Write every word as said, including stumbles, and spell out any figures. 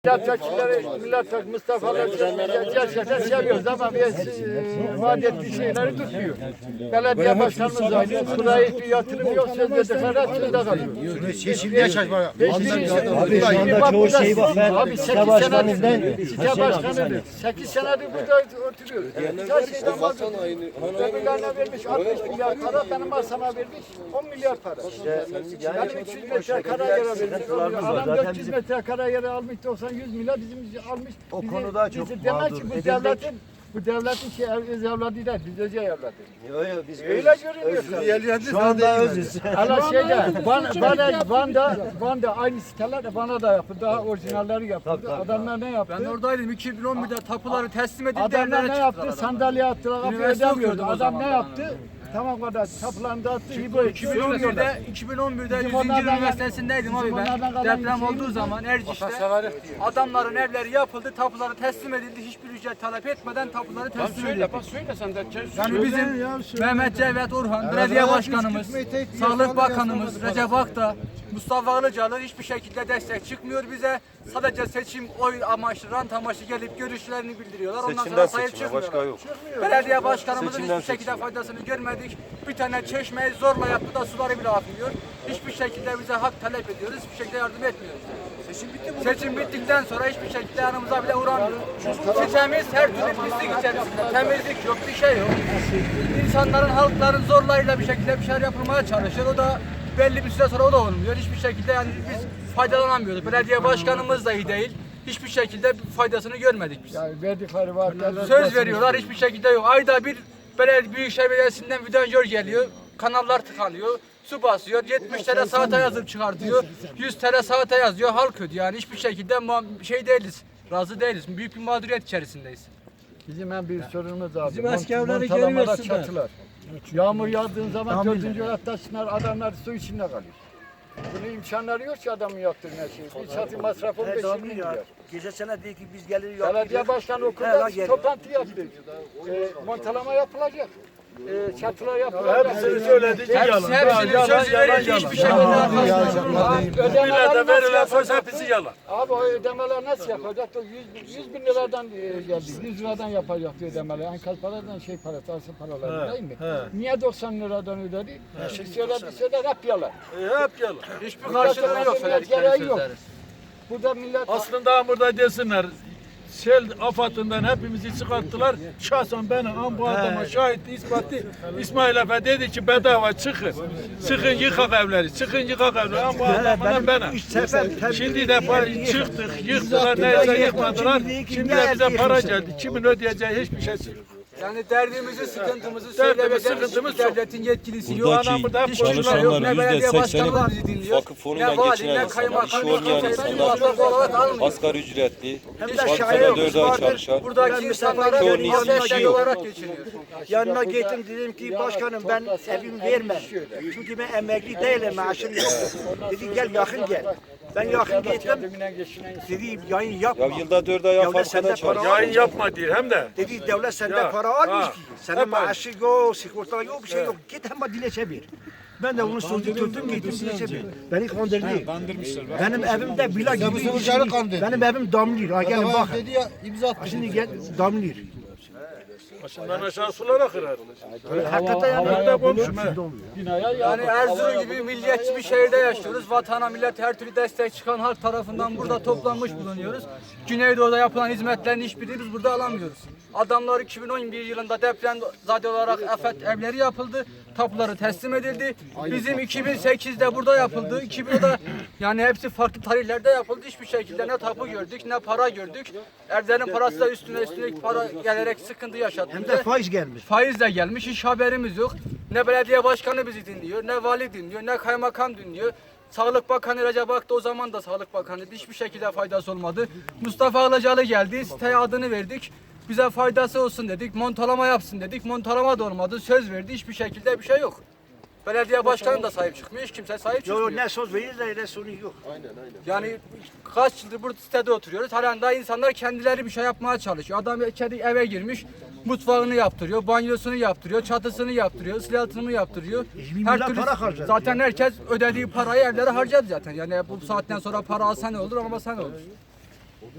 Milletvekilleri, milletvekili Mustafa'lar gerçekten seviyoruz ama biz e, vaat ettiği şeyleri tutmuyor. Belediye başkanımız aynı, buraya hiçbir yatırım yok, söz verdikleri sözde kalıyor. Seçimde yaşaş var. Abi şu anda çoğu şey var. Abi sekiz senedir, site başkanıdır. sekiz senedir burada oturuyoruz. Her şeyden vazgeçtik. Öbürlerine vermiş altmış milyar para, benim masama vermiş on milyar para. Benim üç yüz metre kara yere vermiş. Adam dört yüz metre kara yere almış doksan yüz milyar bizim almış. O bizi, konuda çok bizi demek mağdur ki bu edildik. devletin bu devletin şey öz evladı değil, biz özel evladı. Yok yok biz Öyle görünüyor. Şu anda özüz. Hala şeyde, Van, Van, Van'da, Van'da aynı siteler de bana da yapıldı. Daha orijinalleri yapıldı. Tabii, tabii. Adamlar ne yaptı? Ben oradaydım. iki bin on birde tapuları teslim edildi. Adamlar evlere ne yaptı? çıktılar Sandalye attılar, kapıyı Üniversite ödemiyordu. okuyordum o Adam zaman ne ben. yaptı? Tamam kadar tapularını dağıttı. İbo iki bin on birde iki bin on birde Bizim yüzüncü onlardan- Üniversitesi'ndeydim abi bizim ben. onlardan kalan Deprem şeyimiz olduğu yok. zaman Erciş'te adamların evleri yapıldı, tapuları teslim edildi. Hiçbir ücret talep etmeden tapuları teslim edildi. Bak söyle sen de. Yani bizim Mehmet Cevdet Orhan, belediye başkanımız, Sağlık Bakanımız, Recep Akta, Mustafa Ilıcalı hiçbir şekilde destek çıkmıyor bize. Sadece seçim, oy amaçlı, rant amaçlı gelip görüşlerini bildiriyorlar. Ondan sonra sahip çıkmıyorlar. Belediye başkanımızın hiçbir şekilde faydasını görmedik. Bir tane çeşmeyi zorla yaptı da suları bile akmıyor. Hiçbir şekilde bize hak talep ediyoruz, hiçbir şekilde yardım etmiyoruz. Seçim bitti mi? Seçim bittikten sonra hiçbir şekilde yanımıza bile uğramıyor. Sitemiz her türlü pislik içerisinde. Temizlik yok, bir şey yok. İnsanların, halkların zorlarıyla bir şekilde bir şeyler yapılmaya çalışıyor. O da belli bir süre sonra o da olmuyor. Hiçbir şekilde yani biz faydalanamıyoruz. Belediye başkanımız da iyi değil. Hiçbir şekilde faydasını görmedik biz. Yani verdikleri vaatler Söz veriyorlar, hiçbir şekilde yok. Ayda bir belediye Büyükşehir Belediyesi'nden vidanjör geliyor. Kanallar tıkanıyor. Su basıyor. yetmiş TL saate yazıp çıkartıyor. yüz TL saate yazıyor. Halk ödüyor. Yani hiçbir şekilde şey değiliz. Razı değiliz. Büyük bir mağduriyet içerisindeyiz. Bizim en büyük sorunumuz abi. Bizim askerleri Montalamada görüyorsun da. çatılar. Yağmur yağdığın zaman dördüncü katta çınar, adamlar su içinde kalıyor. Bunun imkanları yok ki adamın yaptığına şey. Bir çatı masrafı on beş yirmi milyar. Gece sene değil ki biz gelir Belediye başkanı okulda toplantı yaptı. E, montalama yapılacak. E, çatılar yapılacak. Hepsini söyledik Hepsi, yalan. hepsinin sözü verildi. Hiçbir şekilde arkasında. Ödemeler Millete nasıl verilen söz yapacak? hepsi yalan. Abi o ödemeler nasıl yapacak? O yüz, yüz bin liradan e, geldi. yüz liradan yapacak ödemeler. Enkaz paradan şey parası, arsa paraları değil mi? Niye doksan liradan ödedi? Şimdi söyledi söyler hep yalan. E, hep yalan. Hiçbir karşılığı yok söyledikleri Gereği yok. sözlerin. Burada millet Aslında burada desinler. Sel afatından hepimizi çıkarttılar. Şahsen benim bu adama şahit ispatı İsmail Efe dedi ki bedava çıkın. Çıkın yıkak evleri. Çıkın yıkak evleri. Bu adamla benim. Şimdi de para çıktık, yıktılar, neyse yıkmadılar. Şimdi de bize para geldi. Kimin ödeyeceği hiçbir şey yok. Yani derdimizi, sıkıntımızı Derdimiz, söyleyebiliriz. sıkıntımız çok. Devletin yetkilisi yok. Buradaki Anam burada hiçbir şey yok. çalışanların Ne belediye yüzde başkanı bizi sekseni dinliyor. vakıf fonuyla Ne vali, geçinen ne insanlar, kaymakam, işi ne olmayan kimse insanlar, muhatap olarak almıyor. asgari ücretli, Hiçbir vakıfta şey yok. dört ay çalışan, Buradaki insanlara çoğunun bir hiçbir destek şey yok. olarak geçiniyor. Yanına gittim dedim ki başkanım ben evim vermem. Çünkü ben emekli değilim, maaşım yok. Dedi gel yakın gel. Ben yakın gittim. Dedi yayın yapma. Ya yılda dört ay Devlet sende fabrikada para çalışıyor. Yayın yapma diyor hem de. Dedi devlet sende Ya, para almış ha, ki. Senin hep aynı. maaşı yok, sigorta yok, bir şey yok. Git hemen dilekçe ver. Ben de onu sözü tuttum gittim dilekçe ver. Beni kandırdı. Benim evimde villa gibi. Benim evim damlıyor. Ha gelin bakın. Dedi ya imza attı. Şimdi gel damlıyor. Başından aşağı sular akır. Hakikaten yani. Nerede komşum he? Yani Erzurum gibi milliyetçi bir şehirde yaşıyoruz. Vatana, millet her türlü destek çıkan halk tarafından burada toplanmış bulunuyoruz. Güneydoğu'da yapılan hizmetlerin hiçbirini biz burada alamıyoruz. Adamlar iki bin on bir yılında depremzade olarak afet evleri yapıldı. Tapuları teslim edildi. Bizim iki bin sekizde burada yapıldı. iki bin onda yani hepsi farklı tarihlerde yapıldı. Hiçbir şekilde ne tapu gördük ne para gördük. Evlerin parası da üstüne üstüne para gelerek sıkıntı yaşattı. Hem de faiz gelmiş. Faizle gelmiş, hiç haberimiz yok. Ne belediye başkanı bizi dinliyor, ne vali dinliyor, ne kaymakam dinliyor. Sağlık Bakanı Recep Akta o zaman da Sağlık Bakanı'ydı. Hiçbir şekilde faydası olmadı. Mustafa Ilıcalı geldi, siteye adını verdik. Bize faydası olsun dedik, montalama yapsın dedik. Montalama da olmadı, söz verdi, hiçbir şekilde bir şey yok. Belediye başkanı da sahip çıkmıyor, hiç kimse sahip çıkmıyor. Yok ne söz verir de ne sonu yok. Yani kaç yıldır burada sitede oturuyoruz. Halen daha insanlar kendileri bir şey yapmaya çalışıyor. Adam içeri eve girmiş, mutfağını yaptırıyor, banyosunu yaptırıyor, çatısını yaptırıyor, ıslah yaptırıyor. milyar para harcadı zaten herkes ödediği parayı evlere harcadı zaten. Yani bu saatten sonra para alsa ne olur, almasa ne olur.